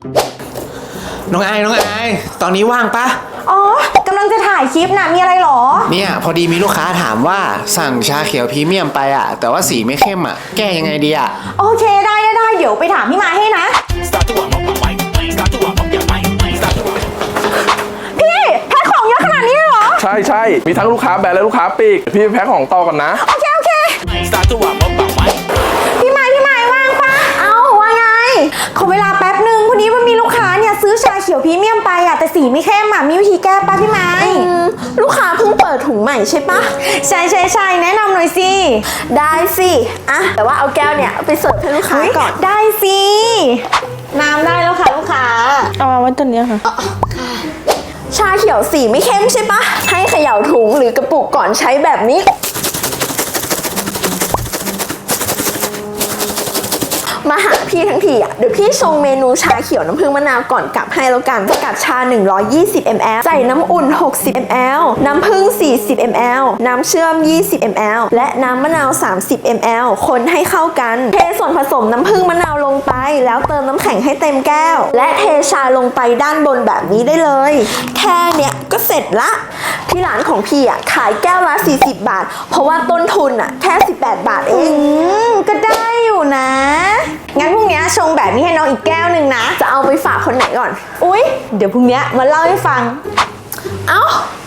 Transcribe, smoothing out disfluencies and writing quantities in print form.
น้องไอตอนนี้ว่างปะอ๋อกำลังจะถ่ายคลิปนะมีอะไรหรอเนี่ยพอดีมีลูกค้าถามว่าสั่งชาเขียวพรีเมียมไปอะแต่ว่าสีไม่เข้มอะแก้ยังไงดีอะโอเคได้เดี๋ยวไปถามพี่มาให้นะพี่แพ็คของเยอะขนาดนี้เลยเหรอใช่มีทั้งลูกค้าแบรนด์และลูกค้าปีกพี่แพ็คของต่อกันนะโอเคพี่ไม้ว่างปะเอาว่าไงขอเวลาแป๊บนึงพอดีว่ามีลูกค้าเนี่ยซื้อชาเขียวพรีเมียมไปอะแต่สีไม่เข้มอะมีวิธีแก้ปะพี่ไม้ลูกค้าเพิ่งเปิดถุงใหม่ใช่ปะใช่แนะนำหน่อยสิได้สิอะแต่ว่าเอาแก้วเนี่ยไปเสิร์ฟให้ลูกค้าก่อนได้สิน้ำได้แล้วค่ะลูกค้าเอามาไว้ตัวนี้ค่ะชาเขียวสีไม่เข้มใช่ปะให้เขย่าถุงหรือกระปุกก่อนใช้แบบนี้มาหาพี่ทั้งทีอ่ะเดี๋ยวพี่ชงเมนูชาเขียวน้ำผึ้งมะนาวก่อนกลับให้แล้วกันสกัดชา120 ml ใส่น้ำอุ่น60 ml น้ำผึ้ง40 ml น้ำเชื่อม20 ml และน้ำมะนาว30 ml คนให้เข้ากันเทส่วนผสมน้ำผึ้งมะนาวลงไปแล้วเติมน้ำแข็งให้เต็มแก้วและเทชาลงไปด้านบนแบบนี้ได้เลยแค่เนี้ยก็เสร็จละที่ร้านของพี่อ่ะขายแก้วละ40 บาทเพราะว่าต้นทุนอ่ะแค่18 บาทเองก็ได้อยู่นะงั้นพรุ่งนี้ชงแบบนี้ให้น้องอีกแก้วหนึ่งนะจะเอาไปฝากคนไหนก่อนเดี๋ยวพรุ่งนี้มาเล่าให้ฟังเอ้า